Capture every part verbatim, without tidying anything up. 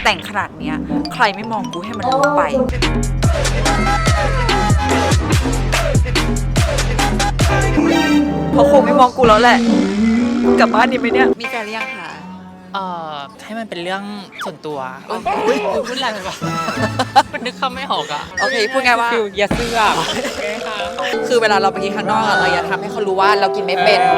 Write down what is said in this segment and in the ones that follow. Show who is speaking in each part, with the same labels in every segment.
Speaker 1: แต่งขนาดเนี้ยใครไม่มองกูให้มันรู้ไปเพราะคงไม่มองกูแล้วแหละกลับบ้านดีไหมเนี่ยมีแฟนหรือยังคะ
Speaker 2: เอ่อให้มันเป็นเรื่องส่วนตัวอุ้ยพูดอะไรไปวะมันนึกคำไม่ออกอ่ะ
Speaker 1: โอเคพูดง่ายว่า
Speaker 2: อย่าเสื้อ
Speaker 1: คือเวลาเราไปกินข้างนอกเราอย่าทำให้เขารู้ว่าเรากินไม่เป็น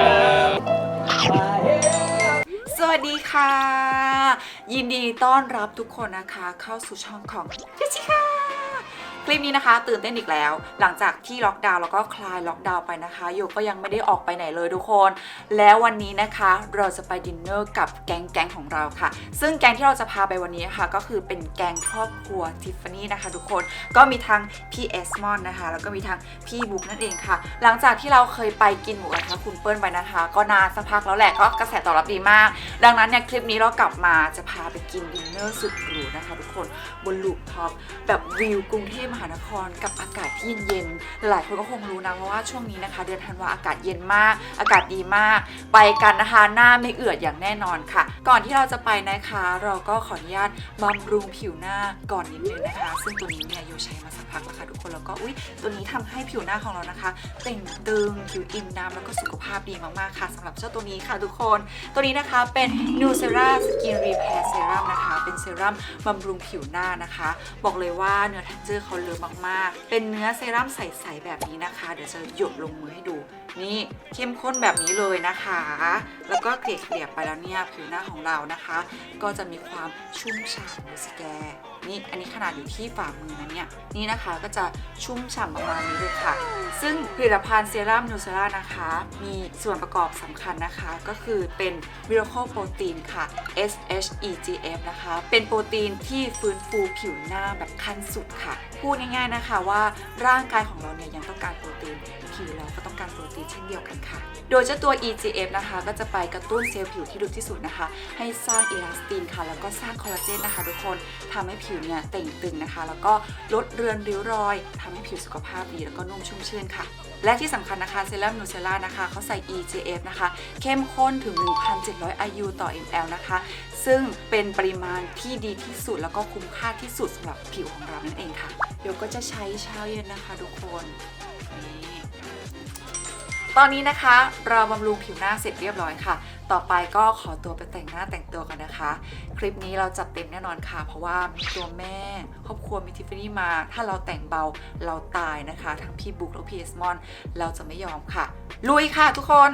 Speaker 1: สวัสดีค่ะยินดีต้อนรับทุกคนนะคะเข้าสู่ช่องของเจสสิก้าคลิปนี้นะคะตื่นเต้นอีกแล้วหลังจากที่ล็อกดาวน์แล้วก็คลายล็อกดาวน์ไปนะคะโยก็ยังไม่ได้ออกไปไหนเลยทุกคนแล้ววันนี้นะคะเราจะไปดินเนอร์กับแก๊งแก๊งของเราค่ะซึ่งแก๊งที่เราจะพาไปวันนี้ค่ะก็คือเป็นแก๊งครอบครัวทิฟฟานี่นะคะทุกคนก็มีทั้งพี่เอสมอนนะคะแล้วก็มีทั้งพี่บุ๊กนั่นเองค่ะหลังจากที่เราเคยไปกินหมูกระทะคุณเปิ้ลไปนะคะก็นานสักพักแล้วแหละก็กระแสตอบรับดีมากดังนั้นเนี่ยคลิปนี้เรากลับมาจะพาไปกินดินเนอร์สุดหรูนะคะทุกคนบนลูฟท็อปแบบวิวกรุงเทพมหานครกับอากาศที่เย็นๆหลายคนก็คงรู้นะเพราะว่าช่วงนี้นะคะเดือนธันวาอากาศเย็นมากอากาศดีมากไปกันนะคะหน้าไม่เอือดอย่างแน่นอนค่ะก่อนที่เราจะไปนะคะเราก็ขออนุญาตบำรุงผิวหน้าก่อนนิดนึงนะคะซึ่งตัวนี้เนี่ยโยใช้มาสักพักแล้วค่ะทุกคนแล้วก็อุ๊ยตัวนี้ทำให้ผิวหน้าของเรานะคะเต่งตึงผิวอิ่มน้ำแล้วก็สุขภาพดีมากๆค่ะสำหรับเจ้าตัวนี้ค่ะทุกคนตัวนี้นะคะเป็น Nucera Skin Repair Serum นะคะเป็นเซรั่มบำรุงผิวหน้านะคะบอกเลยว่าเนื้อ texture เขาเลอะมากๆเป็นเนื้อเซรั่มใสๆแบบนี้นะคะเดี๋ยวจะหยดลงมือให้ดูนี่เข้มข้นแบบนี้เลยนะคะแล้วก็เกลี่ยเกลี่ยไปแล้วเนี่ยผิวหน้าของเรานะคะก็จะมีความชุ่มฉ่ำดูสิแกนี่อันนี้ขนาดอยู่ที่ฝ่ามือนะเนี่ยนี่นะคะก็จะชุ่มฉ่ำประมาณนี้เลยค่ะซึ่งผลิตภัณฑ์เซรั่มนูเซร่านะคะมีส่วนประกอบสำคัญนะคะก็คือเป็น Miracle Protein ค่ะ เอส เอช อี จี เอฟ นะคะเป็นโปรตีนที่ฟื้นฟูผิวหน้าแบบขั้นสุดค่ะพูดง่ายๆนะคะว่าร่างกายของเราเนี่ยยังต้องการโปรตีนผิวเราก็ต้องการโปรตีนเช่นเดียวกันค่ะโดยเจ้าตัว อี จี เอฟ นะคะก็จะไปกระตุ้นเซลล์ผิวที่ลึกที่สุดนะคะให้สร้างอีลาสตินค่ะแล้วก็สร้างคอลลาเจนนะคะทุกคนทำให้ผิวเนี่ยเต่งตึงนะคะแล้วก็ลดเรือนริ้วรอยทำให้ผิวสุขภาพดีแล้วก็นุ่มชุ่มชื่นค่ะและที่สำคัญนะคะเซรั่มนูเซล่านะคะเขาใส่ อี จี เอฟ นะคะเข้มข้นถึง หนึ่งพันเจ็ดร้อย ไอ ยู ต่อ มล นะคะซึ่งเป็นปริมาณที่ดีที่สุดแล้วก็คุ้มค่าที่สุดสำหรับผิวของเรานั่นเองค่ะเดี๋ยวก็จะใช้เช้าเย็นนะคะทุกคนนี่ตอนนี้นะคะเราบำรุงผิวหน้าเสร็จเรียบร้อยค่ะต่อไปก็ขอตัวไปแต่งหน้าแต่งตัวกันนะคะคลิปนี้เราจัดเต็มแน่นอนค่ะเพราะว่ามีตัวแม่ครอบครัวมีทิฟฟานี่มาถ้าเราแต่งเบาเราตายนะคะทั้งพี่บุ๊กและพี่เอสมอนเราจะไม่ยอมค่ะลุยค่ะทุกคน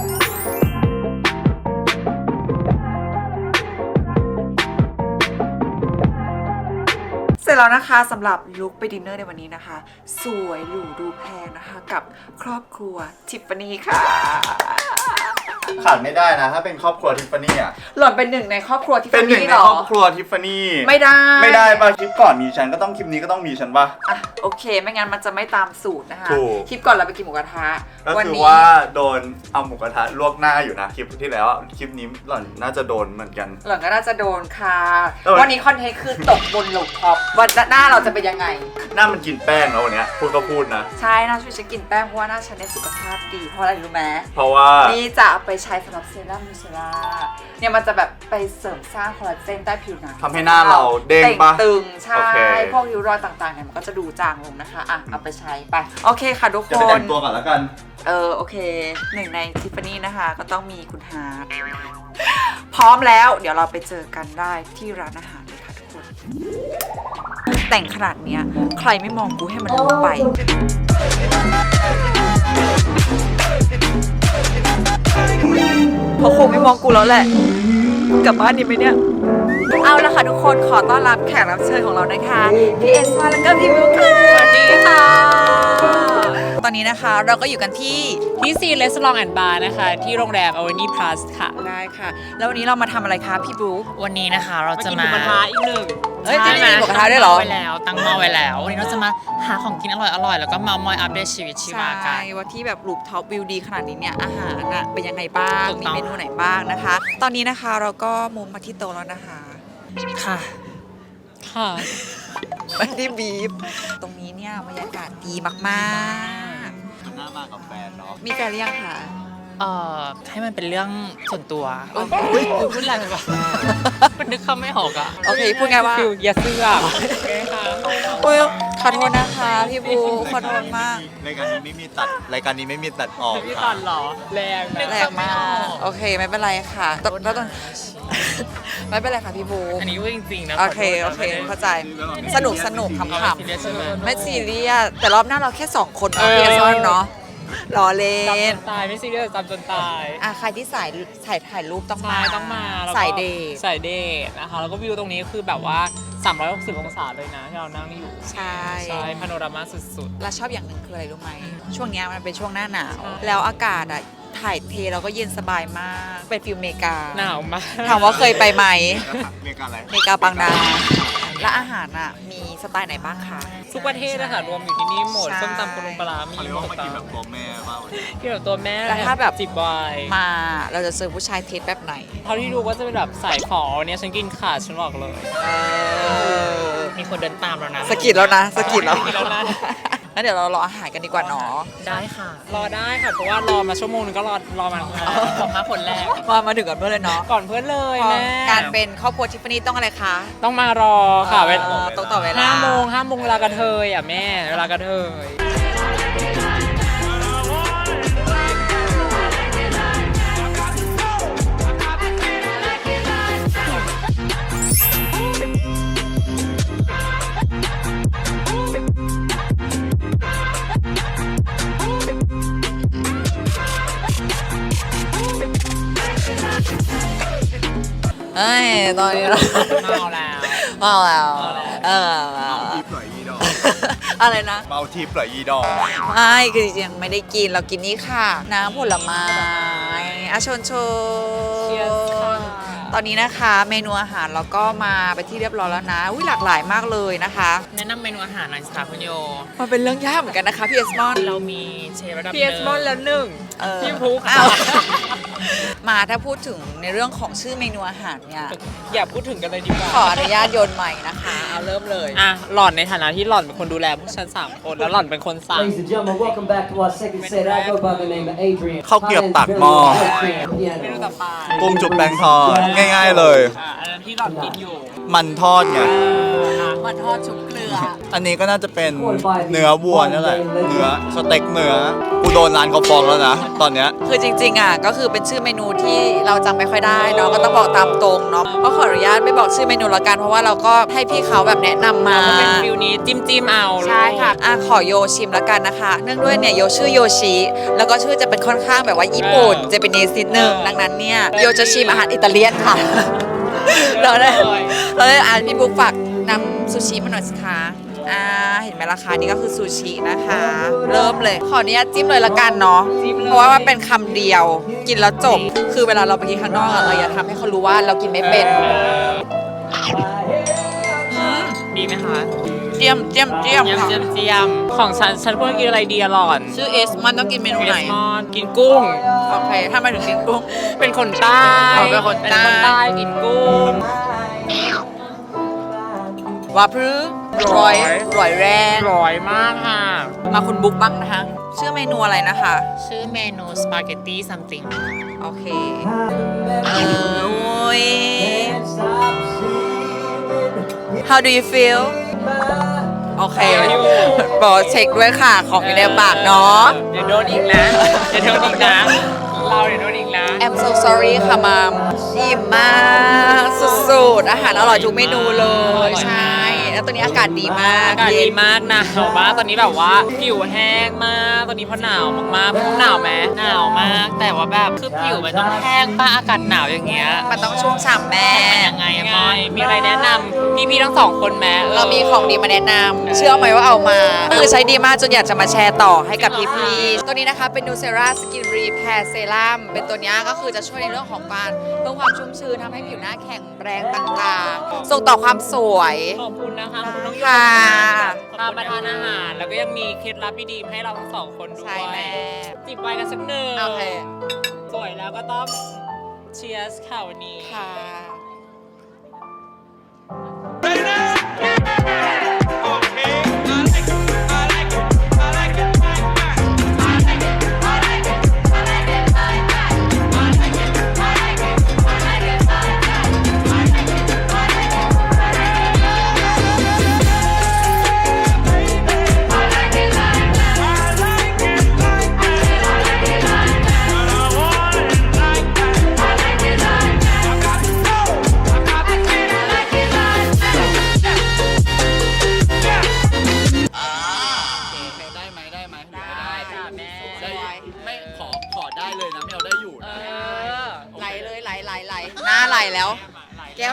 Speaker 1: เสร็จแล้วนะคะสำหรับลุคไปดินเนอร์ในวันนี้นะคะสวยหรูดูแพงนะคะกับครอบครัวทิฟฟานี่ค่ะ
Speaker 3: ขาดไม่ได้นะถ้าเป็นครอบครัวทิฟฟานี่อ่ะ
Speaker 1: หล่อนเป็นหนึ่งในครอบครัวทิฟฟานี่หรอ
Speaker 3: เป็นหนึ่งในครอบครัวทิฟฟานี่
Speaker 1: ไม่ได้
Speaker 3: ไม่ได้ป่ะคลิปก่อนมีฉันก็ต้องคลิปนี้ก็ต้องมีฉันป่ะ
Speaker 1: อ่ะโอเคไม่งั้นมันจะไม่ตามสูตรนะคะ
Speaker 3: ถูก
Speaker 1: คลิปก่อนเราไปกินหมูกระทะ
Speaker 3: ก็คือว่าโดนเอาหมูกระทะลวกหน้าอยู่นะคลิปที่แล้วคลิปนี้หล่อนน่าจะโดนเหมือนกัน
Speaker 1: หล่อนก็น่าจะโดนค่ะวันนี้คอนเทนต์คือตกบนลูฟท็อปวันหน้าเราจะเป็นยังไง
Speaker 3: หน้ามันกินแป้งแล้ววันนี้พูดก็พูดนะ
Speaker 1: ใช่หน้าช่วยฉันกินแป้งเพราะว่าหน้าฉันได้สุขภาพดีเพราะอะไรรู้ไหม
Speaker 3: เพราะว่า
Speaker 1: นี่จะเอาไปใช้สำหรับเซรั่มนูเซร่าเนี่ยมันจะแบบไปเสริมสร้างคอลลาเจนใต้ผิวหนัง
Speaker 3: ทำให้หน้าเราเด้งปะ
Speaker 1: ตึงใช่พวกริ้วรอยต่างๆเนี่ยมันก็จะดูจางลงนะคะอ่ะเอาไปใช้ไปโอเคค่ะทุกคน
Speaker 3: จะไปแต่งตัวก่อนแล้วกัน
Speaker 1: เออโอเคหนึ่งในทิฟฟานี่นะคะก็ต้องมีคุณฮาร์ทพร้อมแล้วเดี๋ยวเราไปเจอกันได้ที่ร้านอาหารเลยค่ะทุกคนแต่งขนาดเนี้ยใครไม่มองกูให้มันรู้ไปเพราะคงไม่มองกูแล้วแหละกลับบ้านดีไหมเนี่ยเอาละค่ะทุกคนขอต้อนรับแขกรับเชิญของเรานะคะพี่เอสมาแล้วก็พี่มิวค่ะสวัสดีค่ะตอนนี้นะคะเราก็อยู่กันที่
Speaker 2: ที่ซีเลสลองแอนด์บาร์นะคะที่โรงแรมอเวนิพลัสค่ะ
Speaker 1: ได้ค่ะแล้ววันนี้เรามาทำอะไรคะพี่บุ๊ก
Speaker 2: วันนี้นะคะเราจะมา
Speaker 1: กินหมูกระทะอีกหนึ่งเฮ้ย
Speaker 2: จะ
Speaker 1: มีหมูกระทะด้วยเหรอ
Speaker 2: ไว้แล้วตั้งหม้อไว้แล้ววันนี้เราจะมาหาของกินอร่อยๆแล้วก็เมามอยอัปเดตชีวิตชีวากัน
Speaker 1: ใช่ว่าที่แบบรูฟท็อปวิวดีขนาดนี้เนี่ยอาหารน่ะเป็นยังไงบ้างมีเมนูไหนบ้างนะคะตอนนี้นะคะเราก็มุมมาที่โต๊ะแล้วนะคะ
Speaker 2: ค่ะค่ะ
Speaker 1: ไม่ได้บีบตรงนี้เนี่ยบรรยากาศดีมาก
Speaker 3: ๆหน้ามากับแฟนเนาะ
Speaker 1: มีแฟนหรือยังคะ
Speaker 2: เเอ่อให้มันเป็นเรื่องส่วนตัว
Speaker 1: เอ้ย
Speaker 2: อุ๊ยพูดอะไรไปวะมันนึกคำไม่ออกอ่ะ
Speaker 1: โอเคพูดไงว่า
Speaker 2: ฟิลอย่าเสื้อค่ะ
Speaker 1: อุ้ยขอโทษนะคะพี่บูขอโทษมาก
Speaker 3: รายการนี้ไม่มีตัดรายการนี้ไม่มีตัดออก
Speaker 2: พี่
Speaker 3: ค่ะ
Speaker 2: ตันเหรอแรงนะ
Speaker 1: แรงมาก โอเคไม่เป็นไรค่ะตแล้วตอน ไม่เป็นไรค่ะพี่บู
Speaker 2: อันนี้พูดจริงๆนะ
Speaker 1: โอเค
Speaker 2: ข
Speaker 1: โอ
Speaker 2: โทษ
Speaker 1: เค
Speaker 2: นะ
Speaker 1: เข้าใจ สนุกสนุกข
Speaker 2: ไม่
Speaker 1: ำ
Speaker 2: ซีเรียสใช่ไหม
Speaker 1: ๆไม่ซีเรียสแต่รอบหน้าเราแค่สองคน
Speaker 2: เอ
Speaker 1: เนาะ
Speaker 2: อ
Speaker 1: พี่เอซอนเนาะรอเล่
Speaker 2: จำจ
Speaker 1: น
Speaker 2: นตายไม่ซีเรียสจำจนตาย
Speaker 1: อ่ะใครที่สายถ่ายถ่ายรูปต้อง
Speaker 2: ใช่
Speaker 1: มา
Speaker 2: ต้องมาแล้วก็
Speaker 1: สายเดท
Speaker 2: สายเดทนะคะแล้วก็วิวตรงนี้คือแบบว่าสามร้อยหกสิบองศาเลยนะที่เรานั่งอยู่
Speaker 1: ใช่
Speaker 2: ใช่พาโนรามาสุด
Speaker 1: และชอบอย่างหนึ่งคืออะไรรู้ไหมช่วงเนี้ยมันเป็นช่วงหน้าหนาว
Speaker 2: ใช่
Speaker 1: แล้วอากาศอ่ะถ่ายเทเราก็เย็นสบายมาก เป็นฟิลเมกา
Speaker 2: ๆหนาวมาก
Speaker 1: ถามว่าเคยไปไหม
Speaker 3: เมกาอะไร
Speaker 1: เมกาบางนา และอาหารอ่ะมีสไตล์ไหนบ้างคะ
Speaker 2: ทุกประเทศนะคะรวมอยู่ที่นี่หมด
Speaker 1: ใช่
Speaker 2: ส้มตำปลาปลามี
Speaker 3: เขาเรียก
Speaker 2: หม
Speaker 3: ว่า
Speaker 2: ด
Speaker 3: มากินแบบตัวแม่มากเลย
Speaker 2: ที่แบบตัวแม่
Speaker 1: แล้วถ้าแบบ
Speaker 2: จิบวาย
Speaker 1: มาเราจะเจอผู้ชายเทสแบบไหน
Speaker 2: เท่าที่ดูก็จะเป็นแบบสายฝอเนี่ยฉันกินขาดฉันบอกเลย
Speaker 1: เออ
Speaker 2: มีคนเดินตามแล้วนะ
Speaker 1: สะกิดแล้วนะสะกิดแล้ว
Speaker 2: สะกิดแล้วนะ
Speaker 1: งั้นเดี๋ยวเรารออาหารกันดีกว่าเนาะ
Speaker 2: ได้ค่ะ รอได้ค่ะเพราะว่ารอมาชั่วโมงนึงก็รอรอมาสองห้าคนแรก
Speaker 1: มามาถึงกันเพื่อนเลยเนาะ
Speaker 2: ก่อนเพื่อนเลย
Speaker 1: พอ
Speaker 2: แม่
Speaker 1: การเป็นครอบครัวทิฟฟานี่ต้องอะไรคะ
Speaker 2: ต้องมารอค่ะเวลา
Speaker 1: เออต้องต่อเวลา
Speaker 2: ห้าโมงห้าโมงเวลากระเทยอ่ะแม่เวลากระเทย
Speaker 1: เอ้ยตอนนี้เรา
Speaker 2: เมาแล้ว
Speaker 1: เมาแล้ว
Speaker 2: เมาแล้ว
Speaker 1: เออ
Speaker 3: เมาทิปเหรออีดอก
Speaker 1: อะไรนะ
Speaker 3: เมาทิปเหรออีดอก
Speaker 1: ไม่คือจริงๆไม่ได้กินเรากินนี่ค่ะ น้ำผลไม้อาชนโช
Speaker 2: Cheers ค่ะ
Speaker 1: ตอนนี้นะคะเมนูอาหารเราก็มาไปนที่เรียบร้อยแล้วนะอุ้ยหลากหลายมากเลยนะคะ
Speaker 2: แนะนำเมนูอาหารหน่อยสิคะคุณโย
Speaker 1: มันเป็นเรื่องยากเหมือนกันนะคะพี่เอสมอน
Speaker 2: เรามีเชฟระดับพีเอสมอนแล้วหนึ่ง
Speaker 1: เออ
Speaker 2: พี่พุก
Speaker 1: อ้าว มาถ้าพูดถึงในเรื่องของชื่อเมนูอาหารเนี่ย
Speaker 2: อย่าพูดถึงกันเลยดีกว่า
Speaker 1: ขออนุญาตโยนใหม่นะคะ เอาเริ่มเลย
Speaker 2: อ่ะหล่อนในฐานะที่หล่อนเป็นคนดูแลพวกฉันสามคนแล้วหล่อนเป็นคนสั่ง
Speaker 4: Ladies and gentlemen, welcome back to our second set. I go by the name of Adrian.
Speaker 3: ข้าวเกรียบปากหม้อ
Speaker 2: เมนูต่อไป
Speaker 3: กุ้งจุ่มแป้งทอดง่ายๆเลย
Speaker 2: อ่ะอันนั้นที่หล่อนกินอยู่
Speaker 3: มันทอดไง
Speaker 1: มันทอดชุบเกลือ
Speaker 3: อันนี้ก็น่าจะเป็นเนื้อวัวนั่นแหละ เนื้อสเต็กเนื้อ กูโดนร้านเขาฟ้องแล้วนะ ตอนเนี้ย
Speaker 1: คือจริงๆอ่ะก็คือเป็นชื่อเมนูที่เราจำไม่ค่อยได้เนาะก็ต้องบอกตามตรงเนาะก็ขออนุญาตไม่บอกชื่อเมนูละกันเพราะว่าเราก็ให้พี่เขาแบบแนะนำมา
Speaker 2: ก็เป็นฟิลนี้จิ้มจิ้มๆเอา
Speaker 1: ใช่ค่ะอ่ะขอโยชิมละกันนะคะ เนื่องด้วยเนี่ยโยชื่อโยชิแล้วก็ชื่อจะเป็นค่อนข้างแบบว่าญี่ปุ่นเจแปนิสนิดนึงดังนั้นเนี่ยโยจะชิมอาหารอิตาเลียนค่ะ เราได้เราได้อ่านพี่บุ๊กฝากนำซูชิมาหน่อยสิคะอ่าเห็นไหมราคานี่ก็คือซูชินะคะ เริ่มเลย ขออนุญาตจิ้มเลยละกันเนาะเพราะว่ามันเป็นคำเดียวกินแล้วจบ คือเวลาเราไปกินข้างนอกอะเราอย่าทำให้เขารู้ว่าเรากินไม่เป็นอืม
Speaker 2: ดีไหมคะ
Speaker 1: เจียมเจียมเจียม
Speaker 2: เจียม
Speaker 1: ค่ะ
Speaker 2: เจียมเจียมของฉันฉันควรกินอะไรดีอะหล่อน
Speaker 1: ชื่อเอสมันต้องกินเมนู
Speaker 2: เอ
Speaker 1: ไหน
Speaker 2: สมอนกินกุ้ง
Speaker 1: โอเคถ้ามาถึงกินกุ้ง
Speaker 2: เป็นคนใต้
Speaker 1: อ๋อเป็นคนใต้
Speaker 2: เป็นคนใต้กินกุ้ง
Speaker 1: ว่าพรื้ร้อยร้อยแรง
Speaker 2: ร้อยมากค่ะ
Speaker 1: มาคุณบุ๊กบ้างนะคะ ชื่อเมนูอะไรนะคะ
Speaker 2: ชื่อเมนูสปาเกตตี้ something
Speaker 1: โอเค เออโอ้ย How do you feel โอเค บอกเช็คด้วยค่ะ ของอยู่ในปากเนาะ
Speaker 2: เดี๋ยวโดนอีกนะเดี๋ยวโดนอีกนะ เราเดี๋ยวโดนอีกนะ
Speaker 1: I'm so sorry ค่ะมามอิ่มมากสุดๆ อาหารอร่อยทุกเมนูเลย ใช่ แล้วตอนนี้อากาศดีมาก
Speaker 2: อากาศดีมากหนาวมากตอนนี้แบบว่าผิวแห้งมากตอนนี้เพราะหนาวมากๆพี่หนาวไหมหนาวมาก แต่ว่าแบบคือผิวมันต้องแห้งป้าอากาศหนาวอย่างเงี้ย
Speaker 1: มันต้องชุ่มฉ่ำแม่
Speaker 2: ยังไงอะมอยมีอะไรแนะนำพี่ๆทั้งสองคนไหม
Speaker 1: เรามีของดีมาแนะนำเชื่อไหมว่าเอามาคือใช้ดีมากจนอยากจะมาแชร์ต่อให้กับพี่ๆตัวนี้นะคะเป็นนูเซราสกินรีแพร์เซรั่มเป็นตัวนี้ก็คือจะช่วยในเรื่องของการเพิ่มความชุ่มชื้นทำให้ผิวหน้าแข็งแรงต่างๆ ส่งต่อความสวย
Speaker 2: ขอบคุณนะคะขอบคุณน้องโย
Speaker 1: ค่ะ
Speaker 2: พามาทานอาหารแล้วก็ยังมีเคล็ดลับดีๆให้เราทั้งสองคนด้ว
Speaker 1: ใช่
Speaker 2: ย
Speaker 1: แม่
Speaker 2: จิบไวน์กันสักหนึ่ง
Speaker 1: โอเค
Speaker 2: สวยแล้วก็ต้องเชียร์สค่ะวันนี้
Speaker 1: ค่ะ
Speaker 5: I like it, I like it, I like it, I like it, I like it, I like it, I like it.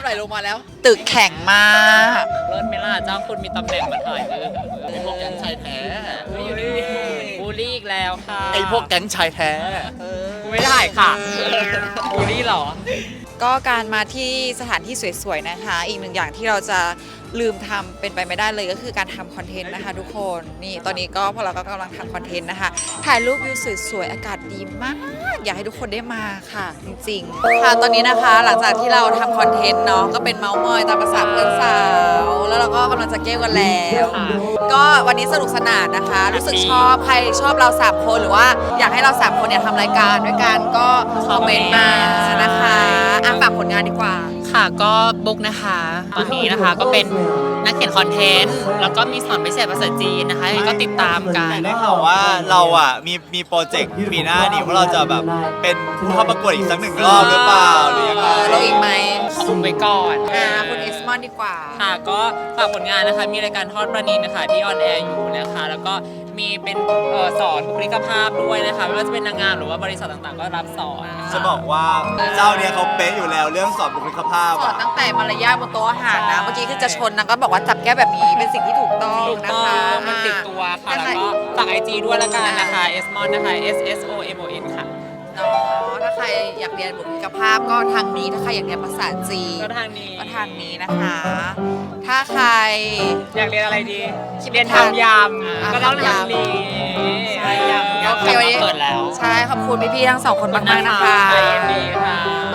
Speaker 3: ลลงมาแล้ว
Speaker 1: ตึกแข็งมาก
Speaker 2: เลิศไหมล่ะจ้างคนมีตำแหน่งมาถ่ายเออ
Speaker 3: ไอพวกแก๊งชายแท้
Speaker 2: อยู่ดีๆบูลลี่อีกแล้วค่ะ
Speaker 3: ไอพวกแก๊งชายแท้
Speaker 2: กูไม่ถ่ายค่ะบูลลี่เหรอ
Speaker 1: ก็การมาที่สถานที่สวยๆนะคะ อีกหนึ่งอย่างที่เราจะลืมทำเป็นไปไม่ได้เลยก็คือการทำคอนเทนต์นะคะทุกคนนี่ตอนนี้ก็พวกเราก็กำลังทำคอนเทนต์นะคะถ่ายรูปวิวสวยๆอากาศดีมาก อยากให้ทุกคนได้มาค่ะจริงๆค่ะตอนนี้นะคะหลังจากที่เราทำคอนเทนต์เนาะก็เป็นเมาส์มอยตามภาษาเพื่อนสาวแล้วเราก็กำลังจะเก้กันแล้ว
Speaker 2: ค่ะ
Speaker 1: ก็วันนี้สนุกสนานนะคะ รู้สึกชอบใครชอบเราสามคนหรือว่าอยากให้เราสามคนเนี่ยทำรายการด้วยกันก็คอมเมนต์มานะคะอ่ะฝากผลงานดีกว่า
Speaker 2: ค่ะก็บุ๊กนะคะ ตอนนี้นะคะก็เป็นนักเขียนคอนเทนต์ แล้วก็มีสอนพิเศษภาษาจีนนะคะยังไงก็ติดตามกัน
Speaker 3: ได้ข่าวว่าเราอ่ะมีมีโปรเจกต์ปีหน้านี่ว่าเราจะแบบเป็นผู้เข้าประกวดอีกสักหนึ่งรอบหรือเปล่าหรือยังไง
Speaker 1: ลงอีกไหม
Speaker 2: ขออุบไว้ก่อน
Speaker 1: อ่าคุณเอสมอนดีกว่า
Speaker 2: ค่ะก็ฝากผลงานนะคะ มีรายการทอดประณีนะคะที่ออนแอร์อยู่นะคะ แล้วก็มีเป็นเอ่อสอนบุคลิกภาพด้วยนะคะไม่ว่าจะเป็นนางงามหรือว่าบริษัทต่างๆ ก็รับสอนค่
Speaker 3: จะบอกว่าเจ้าเนี่ยเขาเป๊ะอยู่แล้วเรื่องสอนบุคลิกภาพ
Speaker 1: สอน
Speaker 3: อ่ะ
Speaker 1: ตั้งแต่มารยาทบนโต๊ะอาหารนะ เมื่อกี้คือจะชนนะก็บอกว่าจับแก้วแบบนี้เป็นสิ่งที่ถูกต้อง
Speaker 2: ถูก
Speaker 1: นะ
Speaker 2: ต้อง
Speaker 1: คะ
Speaker 2: มันติดตัวค่ะ
Speaker 1: อ่า
Speaker 2: แล้วก็ฝากไอจีด้วยละกันนะคะ s m o n นะคะ S S O M O N ค่ะ
Speaker 1: เนาะถ้าใครอยากเรียนบุคลิกภาพก็ทางนี้ ถ้าใครอยากเรียนภาษาจีน
Speaker 2: ก็ทางนี้
Speaker 1: ก็ทางนี้นะคะ ถ้าใคร
Speaker 2: อยากเรียนอะไรดี
Speaker 1: คิด
Speaker 2: เรียน
Speaker 1: ทาง
Speaker 2: ทำย
Speaker 1: อ่า
Speaker 2: ำก็ต้อง
Speaker 1: ทำยำ
Speaker 2: ทำนี้
Speaker 1: ใช่
Speaker 2: ยำยำ
Speaker 1: โอเควันนี้
Speaker 2: เปิดแล้ว
Speaker 1: ใช่ ขอบคุณพี่ๆทั้งสองคนมากๆนะคะ
Speaker 2: ใจเย็นดีค่ะ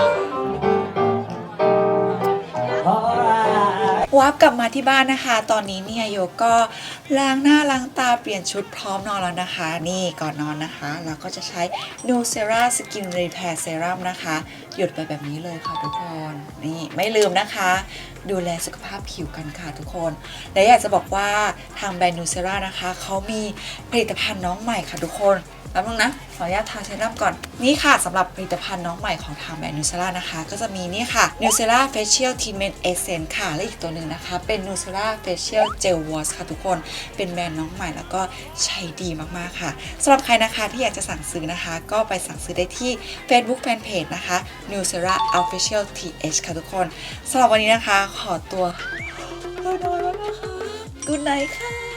Speaker 4: Alright.
Speaker 1: วาร์ปกลับมาที่บ้านนะคะ ตอนนี้เนี่ยโยก็ล้างหน้าล้างตาเปลี่ยนชุดพร้อมนอนแล้วนะคะ นี่ก่อนนอนนะคะเราก็จะใช้ Nucera Skin Repair Serum นะคะ หยดไปแบบนี้เลยค่ะทุกคนนี่ไม่ลืมนะคะ ดูแลสุขภาพผิวกันค่ะทุกคนและอยากจะบอกว่าทางแบรนด์ Nucera นะคะเขามีผลิตภัณฑ์น้องใหม่ค่ะทุกคนแป๊บนึงนะขออนุญาตทาเซรั่มก่อนนี่ค่ะสำหรับผลิตภัณฑ์น้องใหม่ของทางแบรนด์ Nucera นะคะก็จะมีนี่ค่ะ Nucera Facial Treatment Essence ค่ะและอีกตัวหนึ่งนะคะเป็น Nucera Facial Gel Wash ค่ะทุกคนเป็นแบรนด์น้องใหม่แล้วก็ใช้ดีมากๆค่ะสำหรับใครนะคะที่อยากจะสั่งซื้อนะคะ ก็ไปสั่งซื้อได้ที่ Facebook Fanpage นะคะ Nucera Official ที เอช ค่ะทุกคนสำหรับวันนี้นะคะขอตัวไปนอนแล้วนะคะ Good night ค่ะ